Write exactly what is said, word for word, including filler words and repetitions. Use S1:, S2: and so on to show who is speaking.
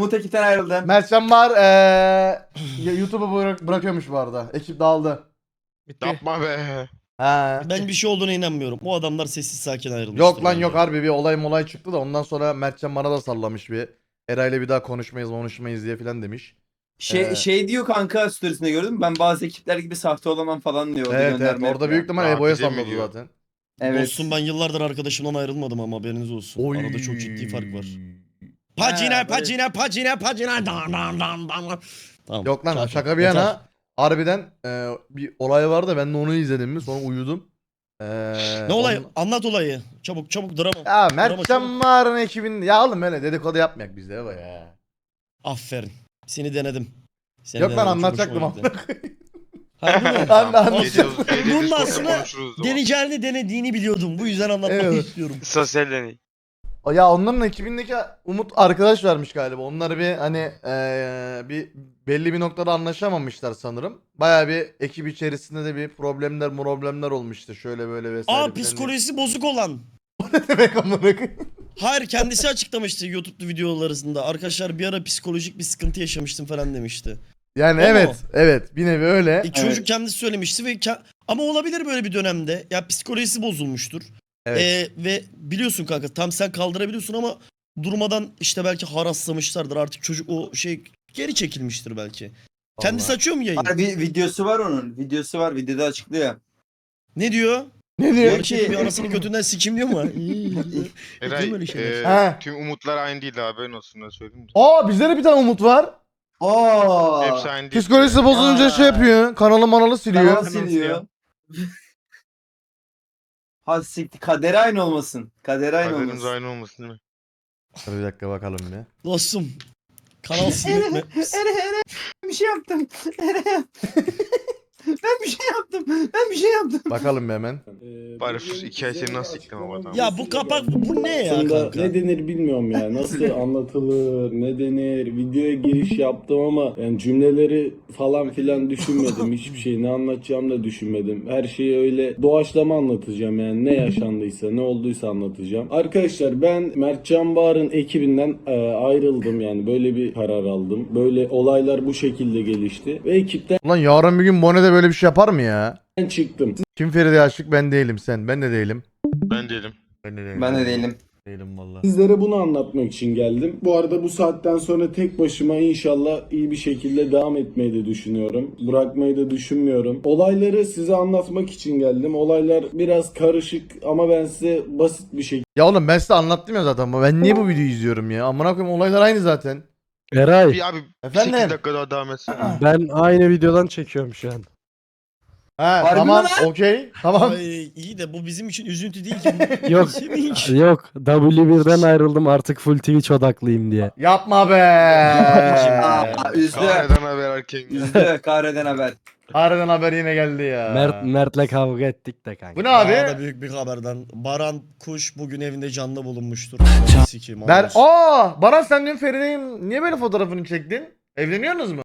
S1: Umut ekipten ayrıldı.
S2: Mertcan var. Ee, YouTube'u bırak bırakıyormuş bu arada. Ekip dağıldı.
S3: Bitti.
S4: Yapma be.
S2: Ha.
S3: Ben bir şey olduğuna inanmıyorum. O adamlar sessiz sakin ayrılmıştır.
S2: Yok lan
S3: bence.
S2: yok harbi bir olay molay çıktı da ondan sonra Mertcan bana da sallamış bir. Eray'la bir daha konuşmayız konuşmayız diye filan demiş.
S1: Şey,
S2: Ee,
S1: şey diyor kanka storiesinde gördün mü? Ben bazı ekipler gibi sahte olamam falan diyor. Orada
S2: Evet evet
S1: gönderme
S2: orada
S1: yapıyor.
S2: büyük ihtimal
S4: Aa,
S2: Ebo'ya
S4: bize mi
S2: salladı
S4: diyor?
S2: zaten.
S1: Evet.
S3: Dostum ben yıllardır arkadaşımdan ayrılmadım ama haberiniz olsun. Arada çok ciddi fark var. Pacina,
S1: Ha, böyle-
S3: pacina, pacina, pacina. Dan, dan, dan, dan. Tamam.
S2: Yok lan
S3: kafi.
S2: şaka bir
S3: Yeter.
S2: yana harbiden e, bir olay vardı ben de onu izledim mi sonra uyudum. Ee,
S3: Ne olay?
S2: ondan-
S3: Anlat olayı. Çabuk çabuk drama.
S2: Ya
S3: Drama
S2: Mertcan
S3: çabuk.
S2: Mağar'ın ekibinde ya oğlum öyle dedikodu yapmayak biz de Ebo ya.
S3: Aferin. Seni denedim. Seni
S2: Yok lan
S3: denedim, çok
S2: anlatacaktım
S3: hoşuma
S2: ama.
S3: gitti. Harbi mi?
S2: Ben de
S4: Tamam,
S2: anlatacağım.
S4: gece- gece
S3: Bunun
S4: Discord'da
S3: aslında
S4: konuşuruz o zaman.
S3: deneyeceğini denediğini biliyordum. Bu yüzden anlatmak
S2: Evet.
S3: istiyorum.
S4: Sosyal deney.
S2: Ya onların ekibindeki Umut arkadaş vermiş galiba. Onlar bir hani eee, bir belli bir noktada anlaşamamışlar sanırım. Baya bir ekip içerisinde de bir problemler problemler olmuştu. Şöyle böyle vesaire.
S3: Aa
S2: filan diye.
S3: psikolojisi bozuk olan.
S2: Ne demek amına koyayım?
S3: Hayır kendisi açıklamıştı YouTube'da videolar arasında. Arkadaşlar bir ara psikolojik bir sıkıntı yaşamıştım falan demişti.
S2: Yani
S3: O mu?
S2: evet evet bir nevi öyle.
S3: E, çocuk kendisi söylemişti ve ke- ama olabilir böyle bir dönemde. Ya psikolojisi bozulmuştur.
S2: Evet.
S3: E, ve biliyorsun kanka tam sen kaldırabiliyorsun ama durmadan işte belki haraslamışlardır. Artık çocuk o şey geri çekilmiştir belki. Kendisi
S2: Vallahi.
S3: açıyor mu yayın?
S1: Harbi videosu var onun. Videosu var. Videoda açıklıyor.
S3: Ne diyor?
S2: Ne diyor?
S3: Yarış
S1: ki-
S3: bir anasını götünden sikim diyor mu?
S4: Eray,
S3: Değil mi öyle şeyler?
S4: e,
S2: He.
S4: tüm umutlar aynı değil haberin olsun da söyleyeyim de.
S2: Aa bizde de bir tane Umut var.
S1: Aa.
S4: Hepsi aynı değil.
S2: Psikolojisi bozulunca
S1: Aa.
S2: şey yapıyor. Kanalı manalı siliyor.
S1: Kanal siliyor. Ha siktir. Kaderi aynı olmasın. Kaderi aynı
S4: Kaderimiz
S1: olmasın.
S4: aynı olmasın değil mi?
S2: Dur bir dakika bakalım bir.
S3: Dostum. Kanal silmek mi?
S1: Ere ere bir şey yaptım. Ere. Ben bir şey yaptım. Ben bir şey yaptım.
S2: Bakalım bir hemen.
S4: Bari sus, iki ay seni nasıl siktim ama adam.
S3: Ya bu kapak bu ne ya
S5: Aslında
S3: kanka?
S5: ne denir bilmiyorum ya. Nasıl anlatılır, ne denir. Videoya giriş yaptım ama yani cümleleri falan filan düşünmedim. Hiçbir şey ne anlatacağım da düşünmedim. Her şeyi öyle doğaçlama anlatacağım yani. Ne yaşandıysa, ne olduysa anlatacağım. Arkadaşlar ben Mertcan Bağır'ın ekibinden e, ayrıldım yani. Böyle bir karar aldım. Böyle olaylar bu şekilde gelişti. Ve ekipten
S2: Ulan yarın bir gün Bone'de böyle bir şey yapar mı ya?
S5: çıktım.
S2: Kim Feride Aşık ben değilim sen. Ben de değilim.
S4: Ben değilim.
S2: Ben de değilim.
S1: Ben de değilim.
S2: Değilim valla.
S5: Sizlere bunu anlatmak için geldim. Bu arada bu saatten sonra tek başıma inşallah iyi bir şekilde devam etmeyi de düşünüyorum. Bırakmayı da düşünmüyorum. Olayları size anlatmak için geldim. Olaylar biraz karışık ama ben size basit bir şekilde
S2: Ya oğlum ben size anlattım ya zaten ama ben niye bu videoyu izliyorum ya? Amına koyayım olaylar aynı zaten.
S6: Eray,
S4: Bir abi
S2: Efendim?
S4: sekiz dakika daha devam etsin.
S6: ben aynı videodan çekiyorum şu an.
S2: Ha
S1: Harbi
S2: tamam
S1: mi lan?
S2: okey tamam.
S3: Ay, iyi de bu bizim için üzüntü değil ki.
S6: Yok.
S3: Sevinç.
S6: Yok, W birden ayrıldım artık full Twitch odaklıyım diye.
S2: Yapma be.
S1: Aa, üzdü.
S4: Kahreden haber erken.
S1: Üzdü. Kahreden haber.
S2: Harbiden haber yine geldi ya.
S6: Mert Mert'le kavga ettik de kanka.
S2: Bu ne
S3: Daha
S2: abi?
S3: da büyük bir haberden. Baran Kuş bugün evinde canlı bulunmuştur. Sikeyim,
S2: Ben
S3: Allah.
S2: aa Baran sen dün Feride'nin niye böyle fotoğrafını çektin? Evleniyorsunuz mu?